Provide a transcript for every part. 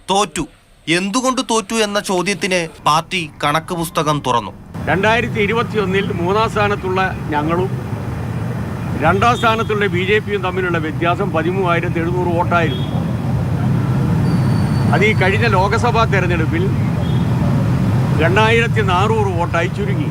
തോറ്റു. എന്തുകൊണ്ട് തോറ്റു എന്ന ചോദ്യത്തിന് പാർട്ടി കണക്ക് പുസ്തകം തുറന്നു. 2021 മൂന്നാം സ്ഥാനത്തുള്ള ഞങ്ങളും രണ്ടാം സ്ഥാനത്തുള്ള BJPയും തമ്മിലുള്ള വ്യത്യാസം 13,700 വോട്ടായിരുന്നു. അത് ഈ കഴിഞ്ഞ ലോക്സഭാ തെരഞ്ഞെടുപ്പിൽ 2,400 വോട്ടായി ചുരുങ്ങി.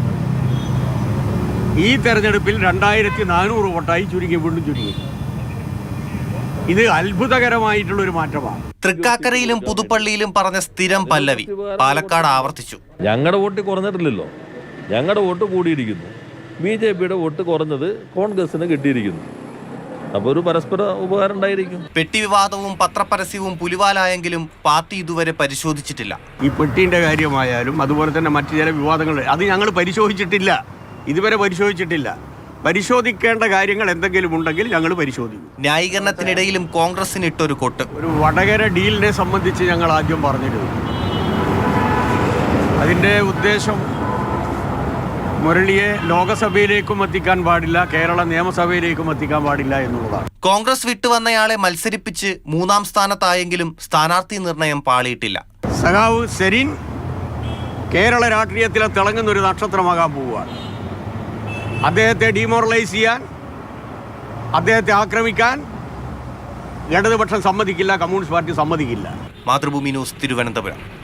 ഈ തെരഞ്ഞെടുപ്പിൽ 2,400 വോട്ടായി ചുരുങ്ങി, വീണ്ടും ചുരുങ്ങി. ഇത് അത്ഭുതകരമായിട്ടുള്ളൊരു മാറ്റമാണ്. തൃക്കാക്കരയിലും പുതുപ്പള്ളിയിലും പറഞ്ഞ സ്ഥിരം പല്ലവി പാലക്കാട് ആവർത്തിച്ചു. ഞങ്ങളുടെ വോട്ട് കുറഞ്ഞിട്ടില്ലല്ലോ, ഞങ്ങളുടെ വോട്ട് കൂടിയിരിക്കുന്നു. BJPയുടെ വോട്ട് കുറഞ്ഞത് കോൺഗ്രസിന് കിട്ടിയിരിക്കുന്നു. അപ്പോൾ ഒരു പരസ്പര ഉപകാരം ഉണ്ടായിരിക്കും. പെട്ടി വിവാദവും പത്രപരസ്യവും പുലിവാലായെങ്കിലും പാർട്ടി ഇതുവരെ പരിശോധിച്ചിട്ടില്ല. ഈ പെട്ടീൻ്റെ കാര്യമായാലും അതുപോലെ തന്നെ മറ്റു ചില വിവാദങ്ങൾ അത് ഞങ്ങൾ പരിശോധിച്ചിട്ടില്ല, ഇതുവരെ പരിശോധിച്ചിട്ടില്ല. പരിശോധിക്കേണ്ട കാര്യങ്ങൾ എന്തെങ്കിലും ഉണ്ടെങ്കിൽ ഞങ്ങൾ പരിശോധിക്കും. ന്യായീകരണത്തിനിടയിലും കോൺഗ്രസിന് ഇട്ടൊരു കൊട്ട്. ഒരു വടകര ഡീലിനെ സംബന്ധിച്ച് ഞങ്ങൾ ആദ്യം പറഞ്ഞിരുന്നു. അതിൻ്റെ ഉദ്ദേശം മുരളിയെ ലോകസഭയിലേക്കും എത്തിക്കാൻ പാടില്ല, കേരള നിയമസഭയിലേക്കും എത്തിക്കാൻ പാടില്ല എന്നുള്ളതാണ്. കോൺഗ്രസ് വിട്ടുവന്നയാളെ മത്സരിപ്പിച്ച് 3-ാം സ്ഥാനത്തായെങ്കിലും സ്ഥാനാർത്ഥി നിർണയം പാളിയിട്ടില്ല. സഖാവ് സെരിൻ കേരള രാഷ്ട്രീയത്തിലെ തിളങ്ങുന്നൊരു നക്ഷത്രമാകാൻ പോവുകയാണ്. അദ്ദേഹത്തെ ഡീമോറലൈസ് ചെയ്യാൻ, അദ്ദേഹത്തെ ആക്രമിക്കാൻ ഇടതുപക്ഷം സമ്മതിക്കില്ല, കമ്മ്യൂണിസ്റ്റ് പാർട്ടി സമ്മതിക്കില്ല. മാതൃഭൂമി ന്യൂസ്, തിരുവനന്തപുരം.